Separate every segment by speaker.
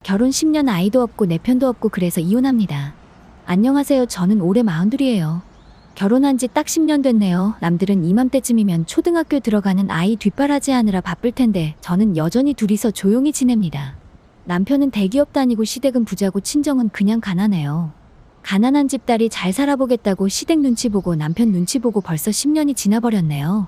Speaker 1: 결혼 10년 아이도 없고 내 편도 없고 그래서 이혼합니다. 안녕하세요. 저는 올해 42이에요. 결혼한 지 딱 10년 됐네요. 남들은 이맘때쯤이면 초등학교 들어가는 아이 뒷바라지 하느라 바쁠 텐데 저는 여전히 둘이서 조용히 지냅니다. 남편은 대기업 다니고 시댁은 부자고 친정은 그냥 가난해요. 가난한 집 딸이 잘 살아보겠다고 시댁 눈치 보고 남편 눈치 보고 벌써 10년이 지나버렸네요.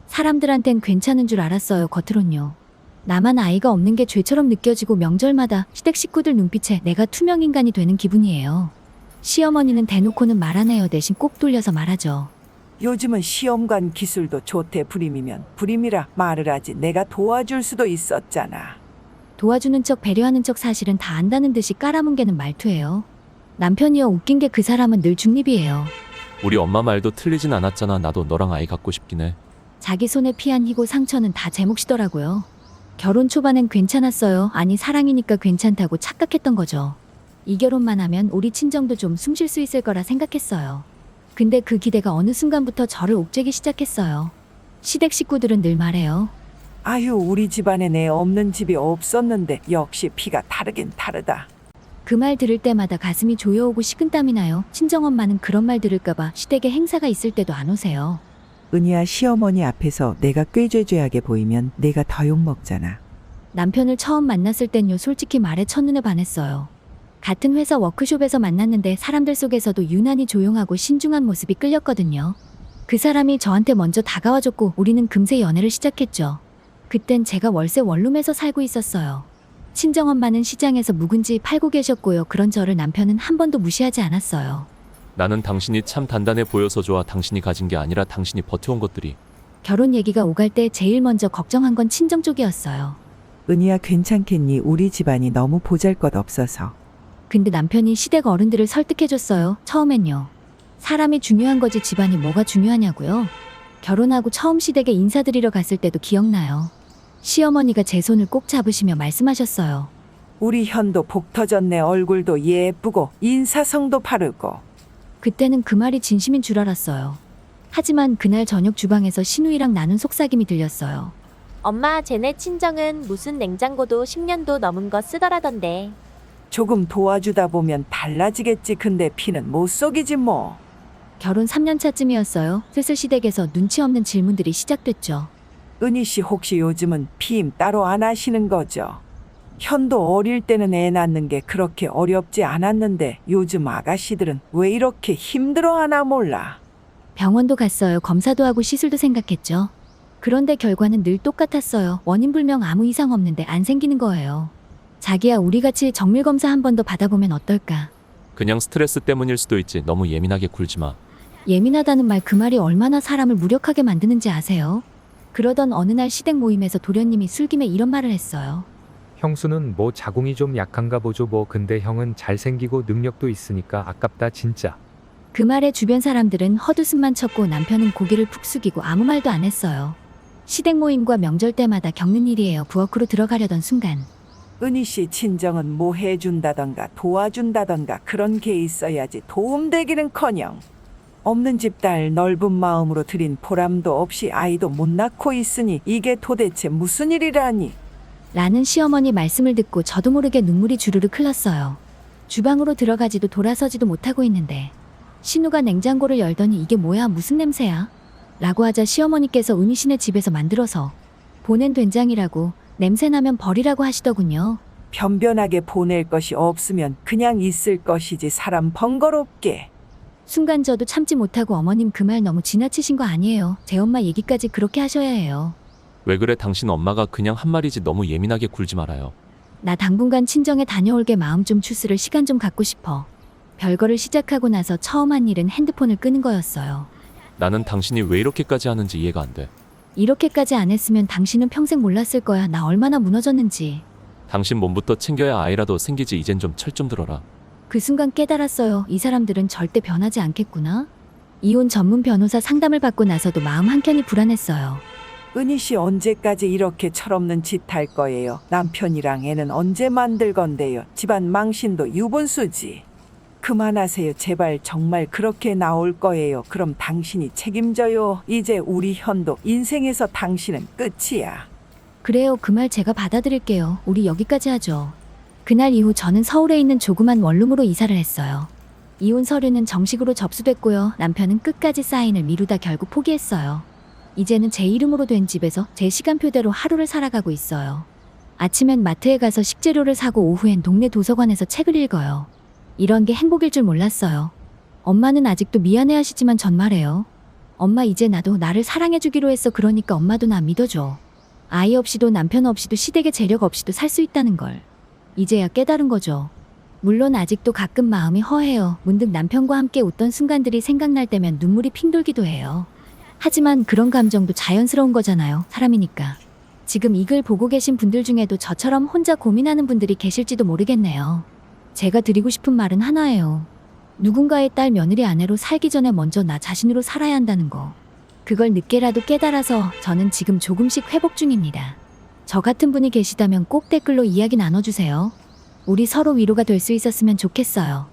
Speaker 1: 사람들한텐 괜찮은 줄 알았어요. 겉으론요. 나만 아이가 없는 게 죄처럼 느껴지고 명절마다 시댁 식구들 눈빛에 내가 투명인간이 되는 기분이에요. 시어머니는 대놓고는 말 안 해요. 대신 꼭 돌려서 말하죠.
Speaker 2: 요즘은 시험관 기술도 좋대. 불임이면 불임이라 말을 하지. 내가 도와줄 수도 있었잖아.
Speaker 1: 도와주는 척 배려하는 척 사실은 다 안다는 듯이 깔아뭉개는 말투예요. 남편이요. 웃긴 게 그 사람은 늘 중립이에요.
Speaker 3: 우리 엄마 말도 틀리진 않았잖아. 나도 너랑 아이 갖고 싶긴 해.
Speaker 1: 자기 손에 피한 희고 상처는 다 제 몫이더라고요. 결혼 초반엔 괜찮았어요. 아니 사랑이니까 괜찮다고 착각했던 거죠. 이 결혼만 하면 우리 친정도 좀 숨 쉴 수 있을 거라 생각했어요. 근데 그 기대가 어느 순간부터 저를 옥죄기 시작했어요. 시댁 식구들은 늘 말해요.
Speaker 2: 아유, 우리 집안에 내 없는 집이 없었는데 역시 피가 다르긴 다르다.
Speaker 1: 그 말 들을 때마다 가슴이 조여오고 식은땀이 나요. 친정엄마는 그런 말 들을까봐 시댁에 행사가 있을 때도 안 오세요.
Speaker 4: 은희야, 시어머니 앞에서 내가 꾀죄죄하게 보이면 내가 더 욕먹잖아.
Speaker 1: 남편을 처음 만났을 땐요. 솔직히 말해 첫눈에 반했어요. 같은 회사 워크숍에서 만났는데 사람들 속에서도 유난히 조용하고 신중한 모습이 끌렸거든요. 그 사람이 저한테 먼저 다가와줬고 우리는 금세 연애를 시작했죠. 그땐 제가 월세 원룸에서 살고 있었어요. 친정엄마는 시장에서 묵은지 팔고 계셨고요. 그런 저를 남편은 한 번도 무시하지 않았어요.
Speaker 3: 나는 당신이 참 단단해 보여서 좋아. 당신이 가진 게 아니라 당신이 버텨온 것들이.
Speaker 1: 결혼 얘기가 오갈 때 제일 먼저 걱정한 건 친정 쪽이었어요.
Speaker 4: 은희야, 괜찮겠니? 우리 집안이 너무 보잘것없어서.
Speaker 1: 근데 남편이 시댁 어른들을 설득해줬어요. 처음엔요. 사람이 중요한 거지 집안이 뭐가 중요하냐고요. 결혼하고 처음 시댁에 인사드리러 갔을 때도 기억나요. 시어머니가 제 손을 꼭 잡으시며 말씀하셨어요.
Speaker 2: 우리 현도 복 터졌네. 얼굴도 예쁘고 인사성도 바르고.
Speaker 1: 그때는 그 말이 진심인 줄 알았어요. 하지만 그날 저녁 주방에서 신우이랑 나눈 속삭임이 들렸어요.
Speaker 5: 엄마, 쟤네 친정은 무슨 냉장고도 10년도 넘은 거 쓰더라던데.
Speaker 2: 조금 도와주다 보면 달라지겠지. 근데 피는 못 속이지 뭐.
Speaker 1: 결혼 3년 차쯤이었어요. 슬슬 시댁에서 눈치 없는 질문들이 시작됐죠.
Speaker 2: 은희 씨 혹시 요즘은 피임 따로 안 하시는 거죠? 현도 어릴 때는 애 낳는 게 그렇게 어렵지 않았는데 요즘 아가씨들은 왜 이렇게 힘들어하나 몰라.
Speaker 1: 병원도 갔어요. 검사도 하고 시술도 생각했죠. 그런데 결과는 늘 똑같았어요. 원인불명 아무 이상 없는데 안 생기는 거예요. 자기야, 우리같이 정밀검사 한 번 더 받아보면 어떨까?
Speaker 3: 그냥 스트레스 때문일 수도 있지. 너무 예민하게 굴지 마.
Speaker 1: 예민하다는 말 그 말이 얼마나 사람을 무력하게 만드는지 아세요? 그러던 어느 날 시댁 모임에서 도련님이 술김에 이런 말을 했어요.
Speaker 6: 형수는 뭐 자궁이 좀 약한가 보죠. 뭐 근데 형은 잘생기고 능력도 있으니까 아깝다 진짜.
Speaker 1: 그 말에 주변 사람들은 헛웃음만 쳤고 남편은 고개를 푹 숙이고 아무 말도 안 했어요. 시댁 모임과 명절 때마다 겪는 일이에요. 부엌으로 들어가려던 순간.
Speaker 2: 은희 씨 친정은 뭐 해준다던가 도와준다던가 그런 게 있어야지 도움되기는커녕 없는 집 딸 넓은 마음으로 들인 보람도 없이 아이도 못 낳고 있으니 이게 도대체 무슨 일이라니.
Speaker 1: 라는 시어머니 말씀을 듣고 저도 모르게 눈물이 주르륵 흘렀어요. 주방으로 들어가지도 돌아서지도 못하고 있는데 신우가 냉장고를 열더니 이게 뭐야, 무슨 냄새야? 라고 하자 시어머니께서 은희 씨네 집에서 만들어서 보낸 된장이라고 냄새나면 버리라고 하시더군요.
Speaker 2: 변변하게 보낼 것이 없으면 그냥 있을 것이지 사람 번거롭게.
Speaker 1: 순간 저도 참지 못하고 어머님 그 말 너무 지나치신 거 아니에요. 제 엄마 얘기까지 그렇게 하셔야 해요.
Speaker 3: 왜 그래? 당신 엄마가 그냥 한 말이지. 너무 예민하게 굴지 말아요.
Speaker 1: 나 당분간 친정에 다녀올게. 마음 좀 추스를 시간 좀 갖고 싶어. 별거를 시작하고 나서 처음 한 일은 핸드폰을 끄는 거였어요.
Speaker 3: 나는 당신이 왜 이렇게까지 하는지 이해가 안 돼.
Speaker 1: 이렇게까지 안 했으면 당신은 평생 몰랐을 거야. 나 얼마나 무너졌는지.
Speaker 3: 당신 몸부터 챙겨야 아이라도 생기지. 이젠 좀 철 좀 들어라.
Speaker 1: 그 순간 깨달았어요. 이 사람들은 절대 변하지 않겠구나. 이혼 전문 변호사 상담을 받고 나서도 마음 한켠이 불안했어요.
Speaker 2: 은희 씨 언제까지 이렇게 철없는 짓 할 거예요? 남편이랑 애는 언제 만들 건데요? 집안 망신도 유분수지. 그만하세요. 제발. 정말 그렇게 나올 거예요. 그럼 당신이 책임져요. 이제 우리 현도 인생에서 당신은 끝이야.
Speaker 1: 그래요. 그 말 제가 받아들일게요. 우리 여기까지 하죠. 그날 이후 저는 서울에 있는 조그만 원룸으로 이사를 했어요. 이혼 서류는 정식으로 접수됐고요. 남편은 끝까지 사인을 미루다 결국 포기했어요. 이제는 제 이름으로 된 집에서 제 시간표대로 하루를 살아가고 있어요. 아침엔 마트에 가서 식재료를 사고 오후엔 동네 도서관에서 책을 읽어요. 이런 게 행복일 줄 몰랐어요. 엄마는 아직도 미안해하시지만 전 말해요. 엄마 이제 나도 나를 사랑해주기로 했어. 그러니까 엄마도 나 믿어줘. 아이 없이도 남편 없이도 시댁의 재력 없이도 살 수 있다는 걸. 이제야 깨달은 거죠. 물론 아직도 가끔 마음이 허해요. 문득 남편과 함께 웃던 순간들이 생각날 때면 눈물이 핑 돌기도 해요. 하지만 그런 감정도 자연스러운 거잖아요. 사람이니까. 지금 이 글 보고 계신 분들 중에도 저처럼 혼자 고민하는 분들이 계실지도 모르겠네요. 제가 드리고 싶은 말은 하나예요. 누군가의 딸, 며느리, 아내로 살기 전에 먼저 나 자신으로 살아야 한다는 거. 그걸 늦게라도 깨달아서 저는 지금 조금씩 회복 중입니다. 저 같은 분이 계시다면 꼭 댓글로 이야기 나눠주세요. 우리 서로 위로가 될 수 있었으면 좋겠어요.